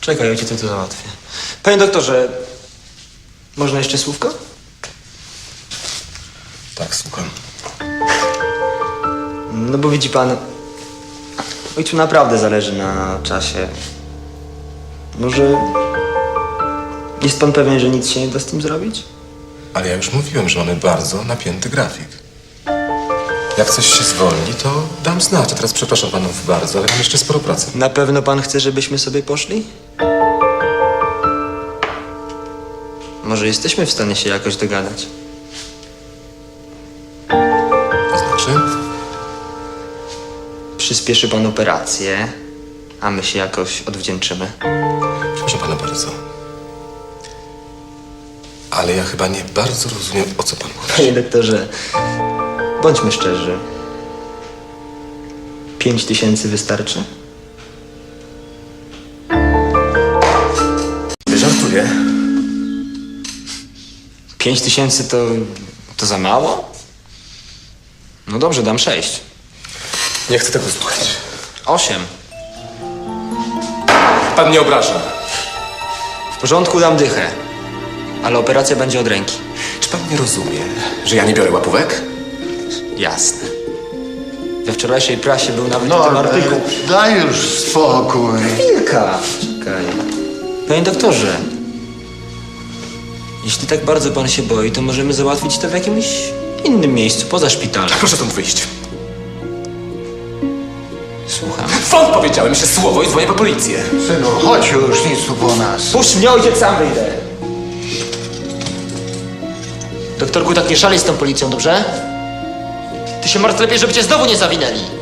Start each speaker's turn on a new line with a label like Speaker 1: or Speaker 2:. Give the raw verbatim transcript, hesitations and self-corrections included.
Speaker 1: Czekaj, ja ci to, to załatwię. Panie doktorze, można jeszcze słówko?
Speaker 2: Tak, słucham.
Speaker 1: No bo widzi pan, ojcu naprawdę zależy na czasie. Może jest pan pewien, że nic się nie da z tym zrobić?
Speaker 2: Ale ja już mówiłem, że mamy bardzo napięty grafik. Jak coś się zwolni, to dam znać. A teraz przepraszam panów bardzo, ale mam jeszcze sporo pracy.
Speaker 1: Na pewno pan chce, żebyśmy sobie poszli? Może jesteśmy w stanie się jakoś dogadać?
Speaker 2: To znaczy?
Speaker 1: Przyspieszy pan operację, a my się jakoś odwdzięczymy.
Speaker 2: Przepraszam pana bardzo. Ale ja chyba nie bardzo rozumiem, o co pan mówi.
Speaker 1: Panie doktorze, bądźmy szczerzy. Pięć tysięcy wystarczy?
Speaker 2: Żartuję.
Speaker 1: Pięć tysięcy to... to za mało? No dobrze, dam sześć.
Speaker 2: Nie chcę tego słuchać.
Speaker 1: Osiem.
Speaker 2: Pan mnie obraża.
Speaker 1: W porządku, dam dychę. Ale operacja będzie od ręki.
Speaker 2: Czy pan nie rozumie, że ja nie biorę łapówek?
Speaker 1: Jasne. We wczorajszej prasie był nawet
Speaker 3: No,
Speaker 1: ten artykuł.
Speaker 3: daj już spokój.
Speaker 1: Chwilka. Czekaj. Panie doktorze, jeśli tak bardzo pan się boi, to możemy załatwić to w jakimś innym miejscu, poza szpitalem.
Speaker 2: Proszę stąd wyjść.
Speaker 1: Słucham.
Speaker 2: Fąd powiedziałem jeszcze słowo i dzwonię po policję.
Speaker 3: Synu, chodź już, nic tu po nas.
Speaker 1: Puść mnie, ojciec, sam wyjdę. Doktorku, tak nie szalej z tą policją, dobrze? Ty się martw lepiej, żeby cię znowu nie zawinęli.